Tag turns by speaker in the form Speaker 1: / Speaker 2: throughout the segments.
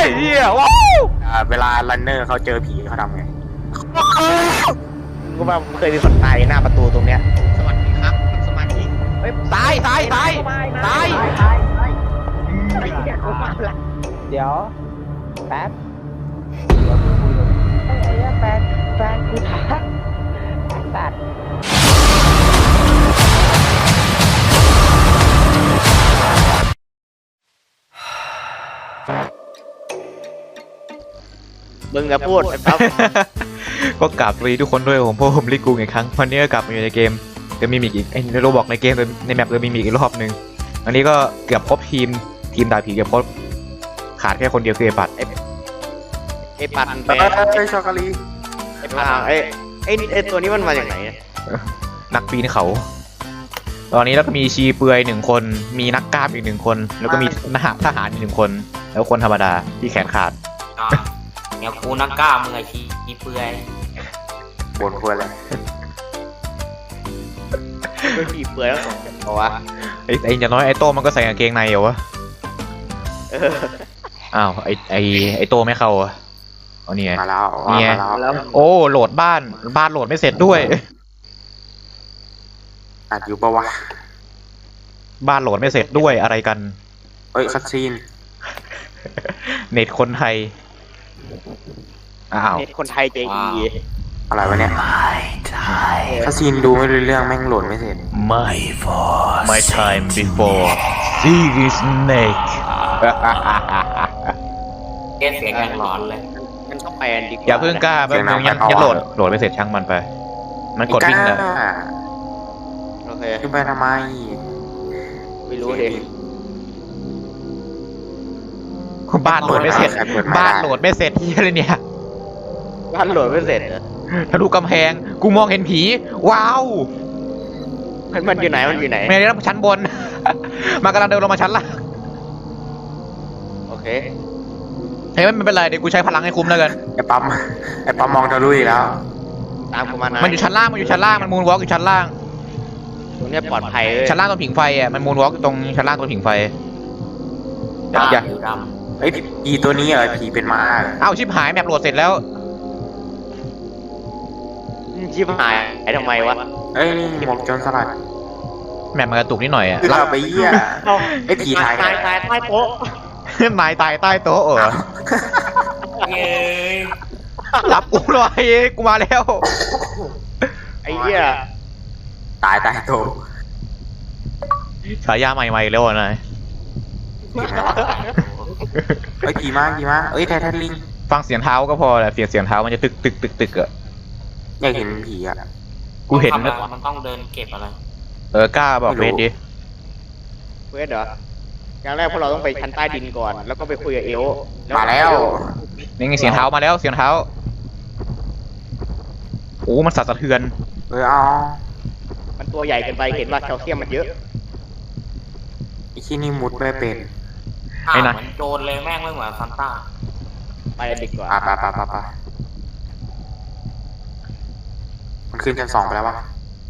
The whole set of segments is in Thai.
Speaker 1: เหี้ยว้าว
Speaker 2: เวลารันเนอร์เขาเจอผีเขาทำไง
Speaker 1: กูว่าเคยมีคนตายหน้าประตูตรงเนี้ย
Speaker 3: สวัสดีครับสมาชิก
Speaker 1: เฮ้ยตายตายตายตายเดี๋ยวแป๊บไอ้แฟนกูทักตัดมึงจะพูดครับ
Speaker 4: ก็กลับไปทุกคนด้วยผมลิกูอีกครั้งวันนี้ก็กลับมาอยู่ในเกมเดอะมิมิกอีกในโรบอกในเกมในแมปเดอะมิมิกอีกรอบนึงอันนี้ก็เกือบครบทีมด่าผีเกือบครบขาดแค่คนเดียวคือไอ้ปัด
Speaker 1: ไอ้ปัดแบ
Speaker 2: ไอ้ช็อกโกแลต
Speaker 1: ไอ้ปัดไอ้ตัวนี้มันมาจากไหน
Speaker 4: นักปีนเขาตอนนี้แล้วก็มีชีเปลือย1คนมีนักกล้ามอีก1คนแล้วก็มีทหารอีก1คนแล้วคนธรรมดาที่แขนขาด
Speaker 3: เนี่ยกูนักกล้ามึงไอ้ชีเปลือย
Speaker 2: บนควรเลย
Speaker 1: มันผีเปลือยแล้วสองตัววะ
Speaker 4: ไอ้อย่างน้อยไอ้โต้มันก็ใส่กางเกงในเหรอวะอ้าวไอ้โต้ไม่เข้าอ่ะเอาเนี่ย
Speaker 2: มาแล้ว
Speaker 4: เนี่ยโอ้โหลดบ้านโหลดไม่เสร็จด้วย
Speaker 2: อัดอยู่ปะวะ
Speaker 4: บ้านโหลดไม่เสร็จด้วยอะไรกัน
Speaker 2: เอ้ยคัตซีน
Speaker 4: เน็ตคนไทยอ้าว
Speaker 1: เน็ตคนไทยใจดี
Speaker 2: อะไรวะเนี่ยคัตซีนดูไม่รู้เรื่องแม่งโหลดไม่เสร็จ
Speaker 4: My time before seeing snake
Speaker 3: เสียงอย่างหลอนเลย
Speaker 1: มันต้องแปลนดี
Speaker 4: อย่าเพิ่งกล้าแบบนึงยังโหลดไม่เสร็จช่างมันไปมันกดวิ่งแล้ว
Speaker 1: โอเค
Speaker 2: ขึ้นไปทำไม
Speaker 1: ไม่รู้เอง
Speaker 4: บ้านโหลดไม่เสร็จที่อะไรเนี่ย
Speaker 1: บ้านโหลดไม่เสร็จ
Speaker 4: ทะลุกำแพงกูมองเห็นผีว้าว
Speaker 1: มันอยู่ไหน
Speaker 4: ไม่ได้ชั้นบนมากำลังเดินลงมาชั้นล่าง
Speaker 1: โอเค
Speaker 4: เฮ้ยไม่เป็นไรเดี๋ยวกูใช้พลังให้คุ้มแล้วกัน
Speaker 2: ไอ้ปั๊มมองทะลุอีกแล้ว
Speaker 1: ตามกูมานะ
Speaker 4: มันอยู่ชั้นล่างมันมูนวอล์กอยู่ชั้นล่าง
Speaker 1: ตรงนี้ปลอดภัย
Speaker 4: ชั้นล่างตรงผิงไฟอ่ะมันมูนวอล์กตรงชั้นล่างตรงผิงไฟ
Speaker 2: อย่าไอ้ผีตัวนี้ผีเป็นหมา
Speaker 4: เอ้าชิบหายแมปโหลดเสร็จแล้ว
Speaker 1: ชิบหายทำไมวะ
Speaker 2: เอ้ยหมวกโจรสลัด
Speaker 4: แมปมันกระตุกนิดหน่อยอ่ะ
Speaker 2: เราไปเยี่ยไอ้ผีตาย
Speaker 1: ใต้โต๊ะ
Speaker 4: นายตายใต้โต๊ะ
Speaker 3: เย้
Speaker 4: รับกูหน่อยกูมาแล้ว
Speaker 1: ไอ้เหี้ย
Speaker 2: ตายโต
Speaker 4: ฉายาใหม่ๆแล้วนาย
Speaker 2: เอ้ยกี่มากเอ้ยไททันลิง
Speaker 4: ฟังเสียงเท้าก็พอแหละเสียงเท้ามันจะตึกอ่ะ
Speaker 2: อยากเห็นผีอ่ะ
Speaker 4: กูเห็น
Speaker 3: มันต้องเดินเก็บอะไร
Speaker 4: กล้าบอกเวทดิ
Speaker 1: เวทเหรออย่างแรกพวกเราต้องไปชั้นใต้ดินก่อนแล้วก็ไปคุยกับเอล
Speaker 2: มาแล้ว
Speaker 4: นี่ไงเสียงเท้ามาแล้วเสียงเท้าโอ้มันสั่นสะเทือน
Speaker 2: เอา
Speaker 1: มันตัวใหญ่เกินไปเห็นว่าแคลเซียมมันเยอะ
Speaker 2: ไอ้ที่นี่มุดไม่เป็น
Speaker 3: ไอ้นะเหมือนโจรเลยแม่งไม่เหมือนซันต้า
Speaker 1: ไปดีกว่า
Speaker 2: ไปมันขึ้นชั้น2ไปแล้ววะ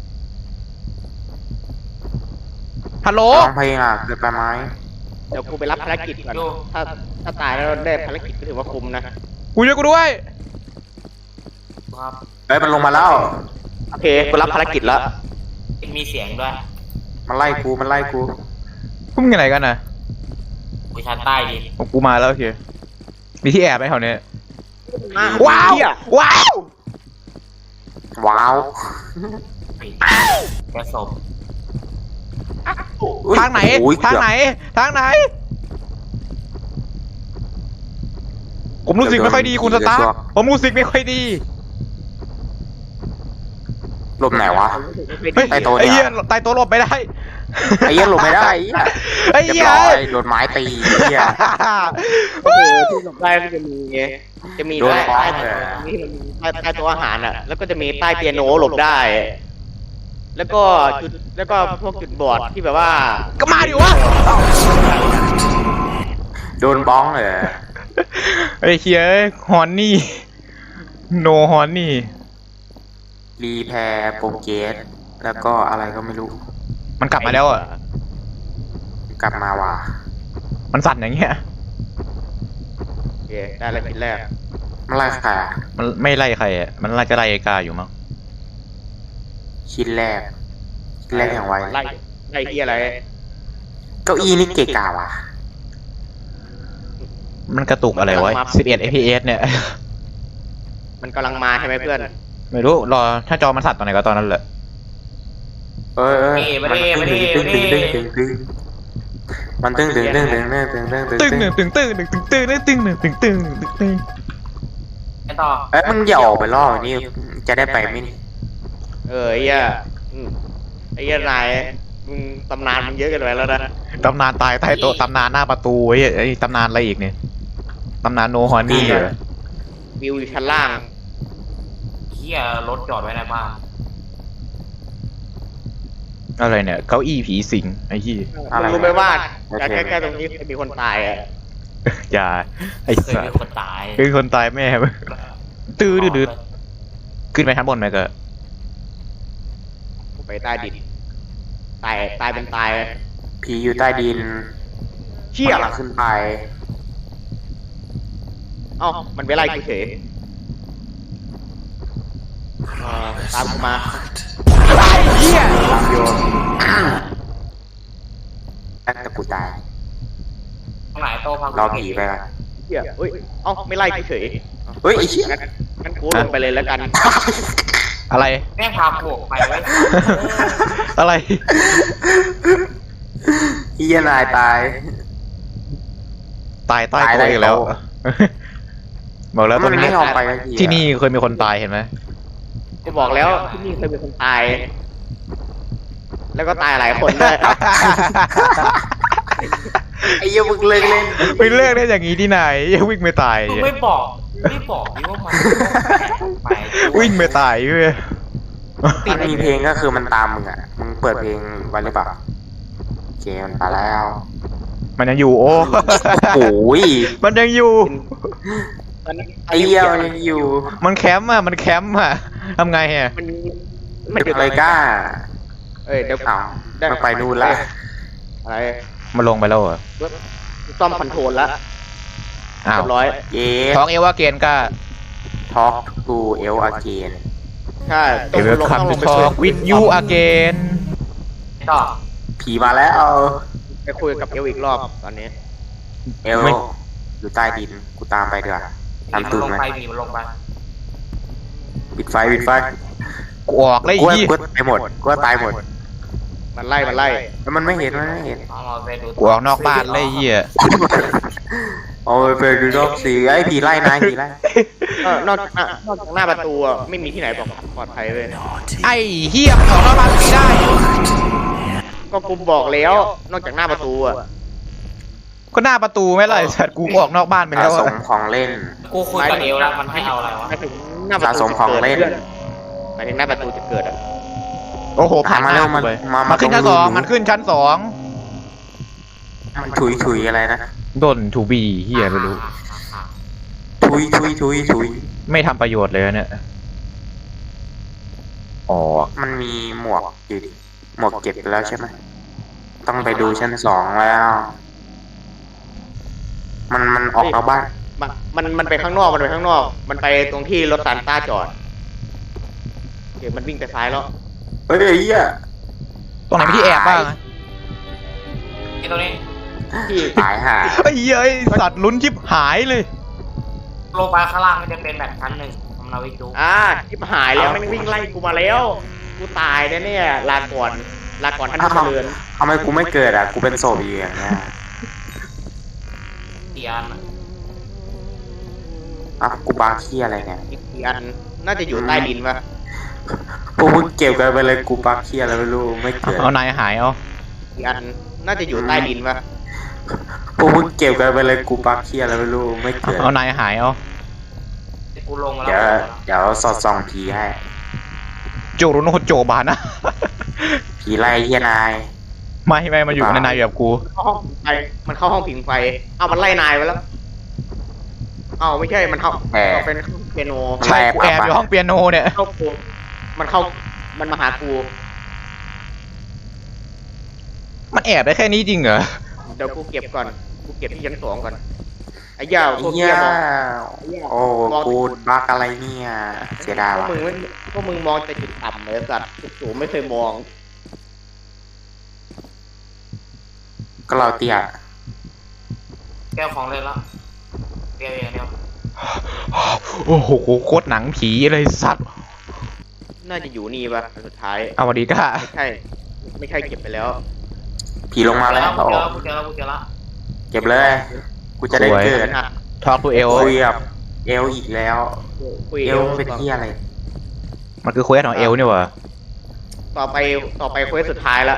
Speaker 4: ฮัลโหล
Speaker 2: ร้องเพลงอ่ะเกิดไปไหม
Speaker 1: เดี๋ยวกูไปรับภารกิจก่อนถ้าตายแล้วได้ภารกิจก็ถือว่าคุ้มนะ
Speaker 4: กูช่วยกูด้วย
Speaker 3: ครับ
Speaker 2: เฮ้ยมันลงมาแล้ว
Speaker 1: โอเคกูรับภารกิจแล้ว
Speaker 3: มีเสียงด้วย
Speaker 2: มันไล่กู
Speaker 4: พวกมึงอยู่ไหนกันน่ะ
Speaker 3: กูชั้นใต้ดิ
Speaker 4: กูมาแล้วโอเคมีที่แอบไหมแถวนี้
Speaker 1: ว้าว
Speaker 3: กระสบ
Speaker 4: ทางไหนผมรู้สึกไม่ค่อยดีคุณสตาร์ผมรู้สึกไม่ค่อยดี
Speaker 2: หลบไหนวะ
Speaker 4: ใต้โต๊ะไอ้เหี้ยใต้โต๊ะหลบไม่ได้
Speaker 2: ไอ้เหี้ยหลบไม่ได้
Speaker 4: ไอ้เหี้ย
Speaker 2: โดนไม้ตี
Speaker 1: โอ้โหที่หลบได้ก็จะมีใต้โต๊ะอาหารอ่ะแล้วก็จะมีใต้เปียโนหลบได้แล้วก็พวกจุดบอดที่แบบว่า
Speaker 4: ก็มาดิวะ
Speaker 2: โดนบ้องเลย
Speaker 4: ไอ้เหี้ยฮอนนี่โนฮอนนี่
Speaker 2: รีแพร์โปรเกสแล้วก็อะไรก็ไม่รู้
Speaker 4: มันกลับมาแล้วอ่ะ
Speaker 2: กลับมาว่ะ
Speaker 4: มันสั่นอย่างเงี้ย
Speaker 1: เคได้แล้วชิ้นแรก
Speaker 2: มันไล่ใครอะ
Speaker 4: มันไม่ไล่ใครอ่ะมันไล่จะไล่ไอ้กาอยู่มั้ง
Speaker 2: ชิ้นแรกอย่างไว
Speaker 1: ไล่ที่อะไร
Speaker 2: เก้าอี้นี่เกะกะว่ะ
Speaker 4: มันกระตุกอะไรวะ11 fps เนี่ย
Speaker 1: มันกำลังมาใช่ไหมเพื่อน
Speaker 4: ไม่รู้รอถ้าจอมันสั่นตอนไหนก็ตอนนั้นแหละ
Speaker 2: มันตึงตึงตึงตึงตึงตึงตึงตึง
Speaker 4: ตึ้งหนึ่งตึ้งตึ้งหนึ่งตึ้งตึ้งตึ้งหนึ่งตึ้งตึ้งตึ้งตึ้ง
Speaker 3: ไอ้ต่อ
Speaker 2: เอ้ยมึงอย่าออกไปล่อนี่จะได้ไปไหมนี่
Speaker 1: ไอ้เหี้ยไอ้เหี้ยนายมึงตำนานมึงเยอะเกันไปแล้วนะ
Speaker 4: ตำนานตายใต้โต๊ะตำนานหน้าประตูไอ้ตำนานอะไรอีกเนี่ยตำนานโนฮอนนี่เหรอ
Speaker 1: วิวอยู่ชั้นล่าง
Speaker 3: เฮียรถจอดไว้ในบ้าน
Speaker 4: อะไรเนี่ยเก้าอี้ผีสิงไอ้ที่
Speaker 1: มึงรู้ไหมว่าแค่ตรงนี้มีคนตายอ่ะ
Speaker 4: อย่าไอ้
Speaker 3: เคย
Speaker 4: สั
Speaker 3: มี
Speaker 4: ส
Speaker 3: คนตาย
Speaker 4: คือคนตายแม่มึงตื้อดื้อขึ้นไปชั้นบนไหมก็
Speaker 1: ไปใต้ดินตายเป็นตาย
Speaker 2: ผีอยู่ใต้ดิน
Speaker 1: เชี่ย
Speaker 2: กำลังขึ้นไป
Speaker 1: เอ้ามันไปไล่กูเฉยตามกูมาเหี้ย
Speaker 2: โยนแต่กูตาย
Speaker 3: ตรงไหนโตพัง
Speaker 2: รอผีไปก่อน
Speaker 1: เหี้ยเฮ้ยเอ้าไม่ไล่กูเฉย
Speaker 2: เฮ้ยไอ้เชี่ย
Speaker 1: งั้นกูลงไปเลยแล้วกัน
Speaker 4: อะไร
Speaker 3: แม่งพาบวกไปไว้
Speaker 4: อะไร
Speaker 2: เฮียนายตาย
Speaker 4: ตายใต้โต๊ะอีกแล้ว บอกแล้วต
Speaker 2: มั
Speaker 4: อน
Speaker 2: น
Speaker 4: นี้
Speaker 2: ไม่ยอมไปสักที
Speaker 4: ที่นี่เคยมีคนตายเห็นไหม
Speaker 1: กูบอกแล้วที่นี่เคยมีคนตาย แล้วก็ตายหลายคนด้วย
Speaker 2: ไอ้เหี้ยมึงเลิกเล่น
Speaker 4: ไปเลือกได้อย่างนี้ที่ไหนวิ่งไม่ตาย
Speaker 3: มึงไม่บอกนี่ว่ามันไป
Speaker 4: วิ่งไม่ตายเว้ย
Speaker 2: มันมีเพลงก็คือมันตามมึงอ่ะ มึงเปิดเพลงไว้หรือเปล่าโอเคมันไปแล้ว
Speaker 4: มันยังอยู่โอ้
Speaker 2: โอ้ย
Speaker 4: มันยังอยู่
Speaker 2: ไอ้เหี้ยมันยังอยู่
Speaker 4: มันแคมป์อะมันแคมป์อะทำไงฮะ
Speaker 1: มันอยู่
Speaker 2: อะไรกล้า
Speaker 1: เอ้ยเดี๋ยว
Speaker 2: เอ้ามันไปนู่นละ
Speaker 1: อะไร
Speaker 4: มันลงไปแล้วเหรอ
Speaker 1: ซ่อมคอนโทรลแล้ว
Speaker 4: อ้าว
Speaker 1: เรียบร้อย
Speaker 2: เย้
Speaker 4: ท้องเอวาเกนก็
Speaker 2: Talk to El Again
Speaker 1: ใช่
Speaker 4: เอเวอร์คัมทูทอล์กวิดยูอาเกน
Speaker 3: ต่อ
Speaker 2: ผีมาแล้ว
Speaker 1: ไปคุยกับเอลอีกรอบตอนนี้
Speaker 2: เอลอยู่ใต้ดิน กูตามไปเถอะตาม
Speaker 3: มัน
Speaker 2: ตูด
Speaker 3: ลง
Speaker 2: ไหม
Speaker 3: ไปผีมันลงไป
Speaker 2: ปิดไฟปิดไฟ
Speaker 4: กูออกเลย
Speaker 2: กู
Speaker 4: อี
Speaker 2: ว่ากูตายหมดกูว่าตายหมด
Speaker 1: มันไล่
Speaker 2: แล้วมันไม่เห็น
Speaker 3: เอามาไปดู
Speaker 4: กูออกนอกบ้านเลยเหี้ย
Speaker 2: โอ้ยไปดูรอบสีไอ้ผีไล่นายผีไล่
Speaker 1: นอกจากหน้าประตูอะไม่มีที่ไหนปลอดภัยเลย
Speaker 4: ไอ้เหี้ยมันออกนอกบ้านไม่ได้
Speaker 1: ก็กูบอกแล้วนอกจากหน้าประตูอะ
Speaker 4: ก็หน้าประตูไม่ไรสัตว์กูออกนอกบ้านไป
Speaker 2: สะ
Speaker 4: แล้ว
Speaker 2: ส
Speaker 4: อะ
Speaker 2: มของเล่น
Speaker 3: กูคุยกับเอวแล้วมันให้เอาอะไรวะ
Speaker 1: หมายถึงหน้าประตู
Speaker 2: สะสมของเล่น
Speaker 1: หมายถึงหน้าประตูจะเกิดอะ
Speaker 4: โอ้โหผ่าน
Speaker 2: มา
Speaker 4: ห
Speaker 2: เร็
Speaker 4: น้าว
Speaker 2: มัน
Speaker 4: ไป
Speaker 2: มา
Speaker 4: มันขึ้นชั้น
Speaker 2: ต
Speaker 4: ส
Speaker 2: รง
Speaker 4: อง
Speaker 2: รู
Speaker 4: มันขึ้นชั้นสอง
Speaker 2: มันถุยอะไรนะ
Speaker 4: โดนทูบีเหี้ยไม่รู้
Speaker 2: ถุย
Speaker 4: ไม่ทำประโยชน์เลยอะเนี่ยออก
Speaker 2: มันมีหมวกอยู่ดิหมวกเก็บไปแล้วใช่ไหมต้องไปดูชั้นสองแล้ว มันออกนอกบ้าน
Speaker 1: มันไปข้างนอกมันไปตรงที่รถซานต้าจอดเดี๋ยวมันวิ่งไปซ้ายแล้ว
Speaker 2: เฮ้ยไอ้เหี้ย
Speaker 4: ตรงไหนมีที่แอบบ้างอะ
Speaker 3: ไอ้ตัวนี้
Speaker 1: ที่
Speaker 2: ตายห่า
Speaker 4: ไอ้เหี้ยไอ้สัตว์ลุ้นชิบหายเลย
Speaker 3: ลงไปข้างล่างมันจะเป็นแบบชั้นหนึ่งทำนาวิจู
Speaker 1: ชิบหายแล้วมันวิ่งไล่กูมาแล้วกูตายแน่เนี่ยลาก่อนท่านผู้เจริญ
Speaker 2: ทำไมกูไม่เกิดอ่ะ กูเป็นโซบอยู่อย่างเงี้ย
Speaker 3: เตียน
Speaker 2: อ่ะกูบาขี้อะไรเนี่ย
Speaker 1: อีกกี่อันน่าจะอยู่ใต้ดินปะ
Speaker 2: พวกมึงเก็บกันไปเลยกูบาขี้อะไรไม่รู้ไม่เกิด
Speaker 4: เอานายหายเอา
Speaker 1: กี่อันน่าจะอยู่ใต้ดินปะ
Speaker 2: พวกมึงเก็บกันไปเลยกูบาขี้อะไรไม่รู้ไม่เกิด
Speaker 4: เอานายหายเอา
Speaker 3: กูลงมาแล้
Speaker 2: เดี๋ยวสอดส่องผีให้
Speaker 4: โจรุโนโจบานะ
Speaker 2: ผีไล่เฮียนาย
Speaker 4: ไม่มาอยู่ในนายอยู่กับกู
Speaker 1: มันเข้าห้องผิงไฟเอามันไล่นายไปแล้วเอาไม่ใช่มันเข้าเป็นเปียโน
Speaker 4: ใช่กูแอบอยู่ห้องเปียโนเนี่ย
Speaker 1: เข้ากูมันมาหากู
Speaker 4: มันแอบได้แค่นี้จริงเหรอ
Speaker 1: เดี๋ยวกูเก็บก่อนกูเก็บที่ชั้น2ก่อนไอ้ย่าพวก
Speaker 2: เหี้
Speaker 1: เหี้
Speaker 2: ย
Speaker 1: ยมอง
Speaker 2: โอ้กูบักอะไรเนี่ยเสียดาย
Speaker 1: พว
Speaker 2: ว่ะ
Speaker 1: กมึงมองแต่จุดต่ำเลยสัตว์จุดสูงไม่เคยมอง
Speaker 2: ก็เราเตี้ย
Speaker 3: แก้วของเลยละเดียวอย่างเดียว
Speaker 4: โอ้โหโคตรหนังผีเลยสัตว์
Speaker 1: น่าจะอยู่นี่ปะอันสุดท้าย
Speaker 4: เอามาดีก้า
Speaker 1: ไม่ใช่เก็บไปแล้ว
Speaker 2: ผีลงมาแล้ว
Speaker 3: กูเจอละ
Speaker 2: เก็บเลย กูจะได้เกิด
Speaker 4: ทอกทูเอล
Speaker 2: คุยกับเอลอีกแล้ว
Speaker 1: คุย
Speaker 2: เอลเป็นที่อะไร
Speaker 4: มันคือเควสของเอลนี่หว่า
Speaker 1: ต่อไปเควสสุดท้ายละ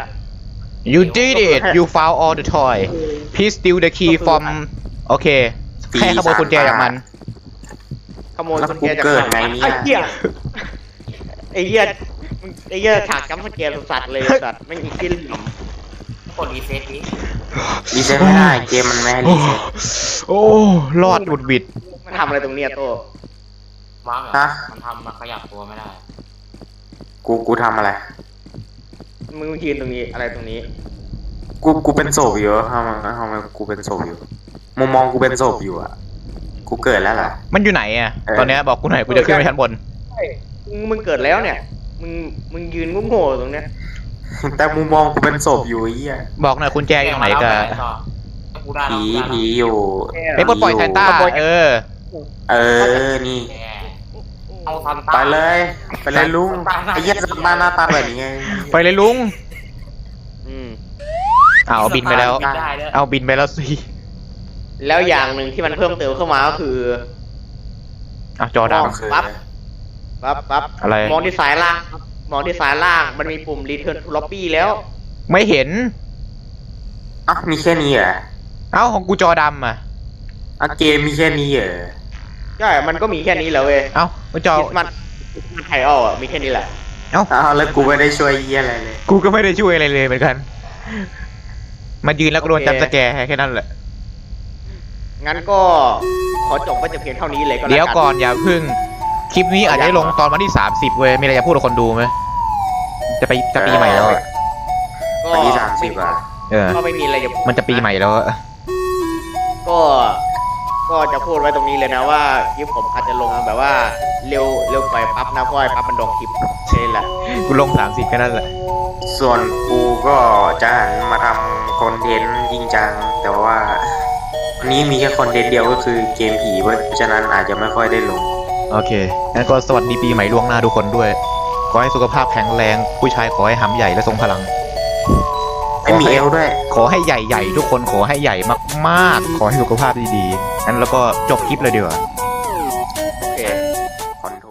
Speaker 4: You did it you found all the toy please steal the key from โอเคแค่ขโมยกุญแจจากมัน
Speaker 1: ขโมย
Speaker 2: แล้ว
Speaker 1: กุญ
Speaker 2: กู
Speaker 1: แจจาก
Speaker 2: เกิด
Speaker 1: มัน
Speaker 2: ไงเนี่ย
Speaker 1: ไอ้เหี้ยฉากจำสเกลสัตว์เลยสัตว์ไม่มีขี้เหลี่ยม
Speaker 3: กดรีเซ็ตดิ
Speaker 2: รีเซ็ตไม่ได้ เกมมันไม่ให้รีเซ็ต
Speaker 4: โอ้รอดบุดบิด
Speaker 1: มันทำอะไรตรงเนี้ยโต้
Speaker 3: มาร์ก
Speaker 2: ฮะ
Speaker 3: มันทำมาขยับตัวไม่ได้
Speaker 2: กูทำอะไร
Speaker 1: มึงยืนตรงนี้อะไรตรงนี้
Speaker 2: กูเป็นศพอยู่ทำไมกูเป็นศพอยู่ มุมมองกูเป็นศพอยู่อ่ะ กูเกิดแล้วเหรอ
Speaker 4: มันอยู่ไหนอ่ะ
Speaker 2: เออ
Speaker 4: ตอนเนี้ยบอกกูหน่อยกูจะขึ้นไปชั้นบน
Speaker 1: มึงเกิดแล้วเนี่ย มึงยืนงุ้มโง่ตรงเนี้ย
Speaker 2: แต่มุมมองกูเป็นศพอยู่ไอ้เหี้ย
Speaker 4: บอกหน่อยกุญแจอยู่ตรงไหนกัน
Speaker 3: กูได้
Speaker 2: ผีอยู่
Speaker 4: ไอ้ยปลดปล่อยแซนต้าเออ
Speaker 2: เออ นี่
Speaker 3: เอาซันต้า
Speaker 2: ไปเลยลุง ไอ้เหี้ยสัตว์บ้านหน้าตาแบบนี้ไง
Speaker 4: ไปเลยลุง
Speaker 1: อืม
Speaker 4: เอาบินไปแล้ว
Speaker 3: ได้ด้วย
Speaker 4: เอาบินไปแล้วสิ
Speaker 1: แล้วอย่างหนึ่งที่มันเพิ่มเติมเข้ามาก็คือ
Speaker 4: อ่ะจอด
Speaker 2: คือ
Speaker 1: ปั๊บ
Speaker 4: อะไร
Speaker 1: มองที่ซ้ายล่างมันมีปุ่ม Return to Lobby แล้ว
Speaker 4: ำไม่เห็น
Speaker 2: อ่ะมีแค่นี้เหรอ
Speaker 4: เอ้าของกูจอดำอ่ะ
Speaker 2: อ่ะเกมมีแค่นี้เหรอ
Speaker 1: ใช่ มันก็มีแค่นี้แหล้วเว้ย
Speaker 4: เอ้ากูจอ
Speaker 1: มันไทยออลอ่ะมีแค่นี้แหละ
Speaker 4: เอ้า
Speaker 2: อ้าวแล้วกูไม่ได้ช่วยเหี้ยอะไรเลย
Speaker 4: กูก็ไม่ได้ช่วยอะไรเลยเหมือนกัน มายืนแล้วก็โดนจับสแกร์แค่นั้นแหละ
Speaker 1: งั้นก็ขอจบไว้แต่เพียงเท่านี้เลยก็แล้วกัน
Speaker 4: เดี๋ยวก่อนอย่าพึ่ง คลิปนี้อาจจะได้ลงตอนวันที่ 30เว้ย มีอะไรจะพูดกับคนดูไหมจะปีใหม่แล้วอะ
Speaker 1: ก็
Speaker 2: วันที่30อ่ะ
Speaker 4: เออ
Speaker 1: ก็ไม่มีอะไรจะพูด
Speaker 4: มันจะปีใหม่แล้วอะ
Speaker 1: ก็จะพูดไว้ตรงนี้เลยนะว่าคลิปผมอาจจะลงแบบว่าเร็วไปปั๊บนะเพราะไอ้ปั๊บมันดองคลิปใช่แหละ
Speaker 4: กูลง 30แค่นั้นแหละ
Speaker 2: ส่วนกูก็จะหันมาทำคอนเทนต์จริงจัง แต่ว่าวันนี้มีแค่คอนเทนต์เดียวก็คือเกมผีเพราะฉะนั้นอาจจะไม่ค่อยได้ลง
Speaker 4: โอเค งั้นก็สวัสดีปีใหม่ล่วงหน้าทุกคนด้วย ขอให้สุขภาพแข็งแรง ผู้ชายขอให้หำใหญ่และทรงพลัง
Speaker 2: ไม่มีเอลด้วย
Speaker 4: ขอให้ใหญ่ๆทุกคนขอให้ใหญ่มากๆ ขอให้สุขภาพดีๆ งั้นแล้วก็จบคลิปเลยดีกว่า